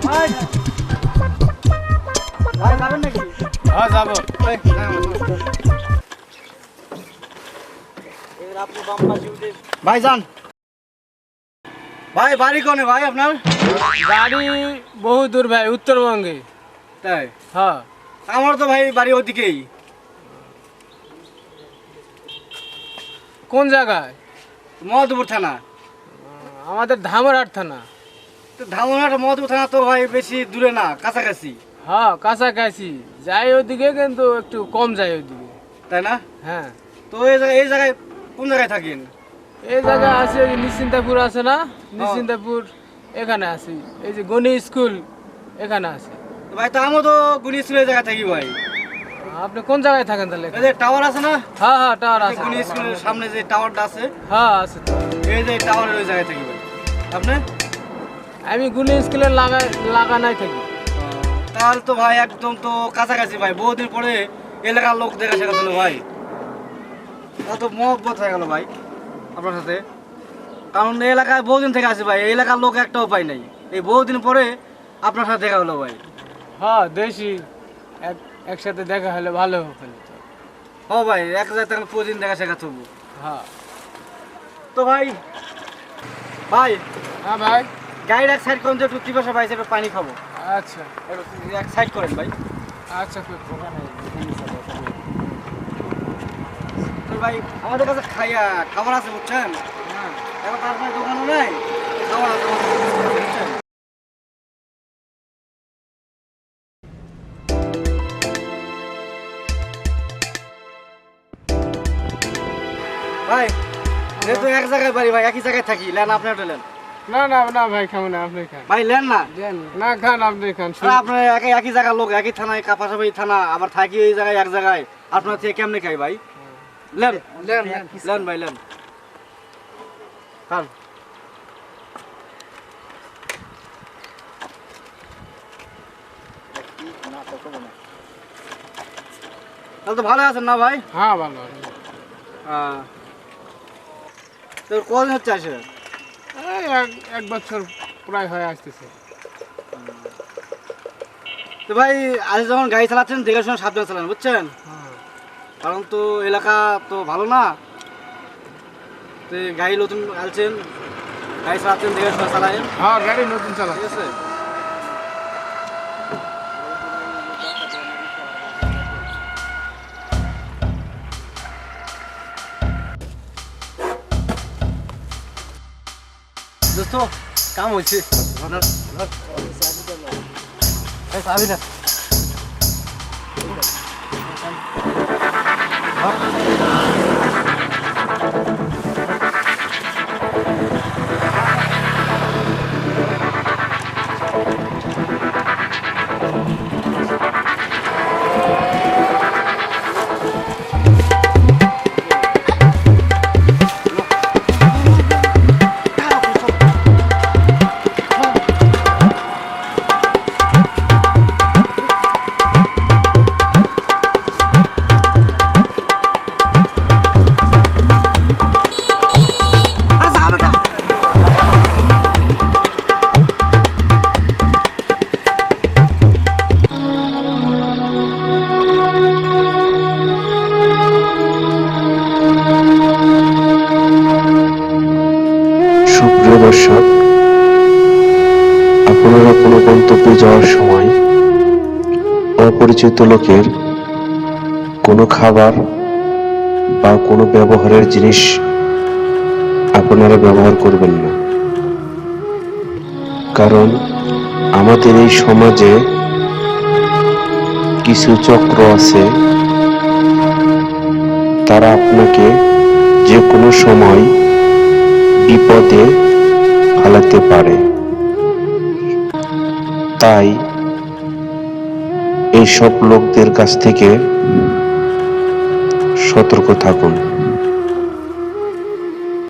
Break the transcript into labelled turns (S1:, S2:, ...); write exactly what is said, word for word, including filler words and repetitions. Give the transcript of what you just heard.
S1: ভাই যাবেন নাকি?
S2: হ্যাঁ যাবো।
S1: ভাই যান। ভাই বাড়ি কোনে ভাই আপনার?
S2: বাড়ি বহু দূর ভাই, উত্তরবঙ্গে।
S1: তাই?
S2: হ্যাঁ।
S1: আমার তো ভাই বাড়ি ওদিকেই।
S2: কোন জায়গায়?
S1: মধুপুর থানা।
S2: আমাদের ধামরাট থানা।
S1: তো ধামরাট মধুপুর থানা তো ভাই বেশি দূরে না, কাছাকাছি।
S2: হ্যাঁ কাছাকাছি যাই ওদিকে, কিন্তু একটু কম যায় ওদিকে।
S1: তাই না?
S2: হ্যাঁ।
S1: তো এই জায়গায় এই জায়গায় কোন জায়গায় থাকেন?
S2: এই জায়গায় আছে ওই যে নিশ্চিন্তাপুর আছে না, নিশ্চিন্তাপুর এখানে আছি। এই যে গণি স্কুল এখানে আছে।
S1: তো ভাই তা আমরা তো গুনি স্কুলের জায়গায় থাকি ভাই।
S2: আপনি কোন জায়গায় থাকেন তাহলে?
S1: এই যে টাওয়ার আছে না?
S2: হ্যাঁ হ্যাঁ টাওয়ার আছে।
S1: গুনি স্কুলের সামনে যে টাওয়ারটা আছে,
S2: হ্যাঁ আছে তো।
S1: এই যে টাওয়ারের ওই জায়গায় থাকি ভাই। আপনি?
S2: আমি গুলি স্কুলের লাগা লাগানাই থাকি।
S1: তাহলে তো ভাই একদম তো কাছাকাছি ভাই, বহুদিন পরে এলাকার লোক দেখা শেখা ছিল ভাই। কত মহব্বত হয়ে গেল ভাই আপনার সাথে, কারণ এই এলাকায় বহুদিন থেকে আসি ভাই, এই এলাকার লোক একটাও পাই নাই, এই বহুদিন পরে আপনার সাথে দেখা হলো ভাই।
S2: হ্যাঁ দেশি এক একসাথে দেখা হলে ভালো হলো তো।
S1: ও ভাই এক জায়গায় তখন প্রতিদিন দেখা শেখা থবো।
S2: হ্যাঁ।
S1: তো ভাই ভাই
S2: হ্যাঁ ভাই।
S1: গাড়ির এক সাইড করেন যে একটু টিপাশা পাইছে, একটু পানি খাবো।
S2: আচ্ছা
S1: একটু এক সাইড করেন ভাই।
S2: আচ্ছা।
S1: তো ভাই আমাদের কাছে খাইয়া খাবার আছে বুঝছেন,
S2: হ্যাঁ।
S1: এখন তার মানে দোকানও নাই, খাবার আছে আমাদের কাছে, বুঝছেন? ভাই যেহেতু এক জায়গায় বাড়ি ভাই, একই জায়গায় থাকি, লেন আপনি একটা লেন।
S2: না না না ভাই খাবো না, আপনি খান।
S1: ভাই লেন না,
S2: দেন না, খান আপনি খান।
S1: আরে আপনার একই একই জায়গার লোক, একই থানায়, পাশাপাশি থানা, আবার থাকি এই জায়গায় এক জায়গায়, আপনার থেকে কেমনে খাই ভাই? লেন
S2: দেন
S1: লেন ভাই লেন খান। তাহলে তো ভালো আছেন না ভাই?
S2: হ্যাঁ ভালো।
S1: হ্যাঁ। তোর কদিন হচ্ছে আসে?
S2: এই এক এক বছর প্রায় হয়ে আসতেছে।
S1: তো ভাই আজ যখন গাড়ি চালাচ্ছেন দেখে শুনে সাবধানে চালান বুঝছেন, কারণ তো এলাকা তো ভালো না, তো গাড়ি নতুন আলছেন, গাড়ি চালাচ্ছেন দেখে শুনে চালায়েন,
S2: হ্যাঁ গাড়ি নতুন চালা।
S1: ঠিক আছে? দোস্ত কাম হয়েছে, চাবি না।
S3: সুপ্রিয় দর্শক, আপনারা কোনো গন্তব্যে যাওয়ার সময় অপরিচিত লোকের কোনো খাবার বা কোনো ব্যবহারের জিনিস আপনারা ব্যবহার করবেন না, কারণ আমাদের এই সমাজে কিছু চক্র আছে, তারা আপনাকে যে কোনো সময় বিপদে ফেলাতে পারে। তাই এইসব লোকদের কাছ থেকে সতর্ক থাকুন।